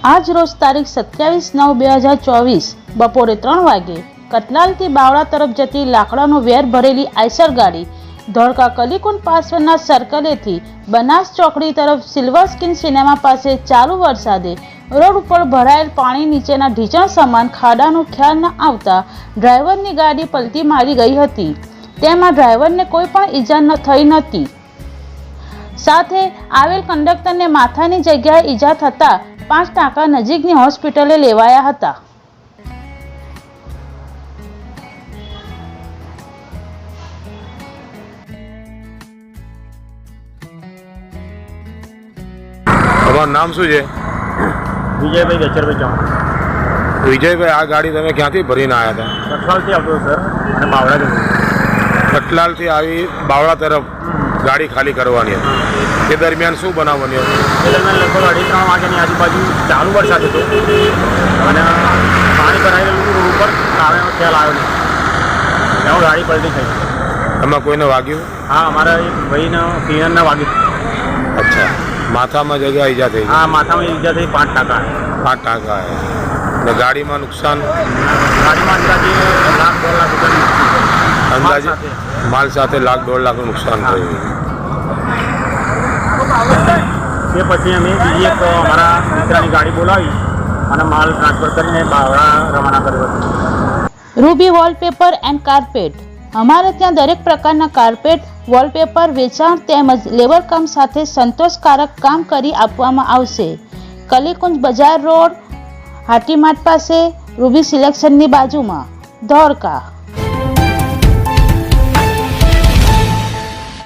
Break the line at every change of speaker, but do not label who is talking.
આજ રોજ તારીખ 27/9/2024 બપોરે 3 વાગે કતલાલથી બાવળા તરફ જતી લાકડાનો વેર ભરેલી આઈસર ગાડી ધોળકા કલીકુંડ પાસવરના સર્કલેથી બનાસ ચોકડી તરફ સિલ્વર સ્કીન સિનેમા પાસે ચાલુ વરસાદે રોડ ઉપર ભરાયેલ પાણી નીચેના ઢીંચણ સમાન ખાડાનો ખ્યાલ ન આવતા ડ્રાઈવરની ગાડી પલટી મારી ગઈ હતી। તેમાં ડ્રાઈવરને કોઈ પણ ઈજા થઈ નહોતી। સાથે આવેલ કંડક્ટરને માથાની જગ્યાએ ઈજા થતા 5 ટાંકા નજીકની હોસ્પિટલે લેવાયા હતા।
તમારું નામ શું છે?
વિજયભાઈ ગચરભાઈ ચૌહાણ।
વિજયભાઈ, આ ગાડી તમે ક્યાંથી ભરીને આવ્યા હતા?
કઠલાલથી આવતો સર અને બાવળા જતો।
કટલાલથી આવી બાવળા તરફ ગાડી ખાલી કરવાની હતી, તે દરમિયાન શું બનાવવાની હતી?
એ દરમિયાન લગભગ 2:30 વાગ્યાની આજુબાજુ ચાલુ વરસાદ હતો અને પાણી ભરાયેલું રોડ ઉપર કારણનો ખ્યાલ આવ્યો નહીં, એમાં ગાડી પલટી થઈ।
એમાં કોઈને વાગ્યું?
હા, અમારા એક ભાઈને કિરણને વાગ્યું।
અચ્છા, માથામાં જગ્યા ઈજા થઈ?
હા, માથામાં ઈજા થઈ 5 ટાંકા।
5 ટાંકા આવ્યા ને ગાડીમાં નુકસાન?
ગાડીમાં અંદાજે
અંદાજે માલ સાથે $1.5 લાખનું નુકસાન થયું।
તે પછી અમે બીજી એક અમારા મિત્રની ગાડી બોલાવી અને માલ ટ્રાન્સફર કરીને બાવળા રવાના કર્યો હતો।
Ruby wallpaper and carpet. અમારે ત્યાં દરેક પ્રકારના કાર્પેટ, વોલપેપર વેચાણ તેમજ લેબર કામ સાથે સંતોષકારક કામ કરી આપવામાં આવશે। કલીકુંજ બજાર રોડ, હાટીમાટ પાસે, રૂબી સિલેક્શનની બાજુમાં, ધોળકા।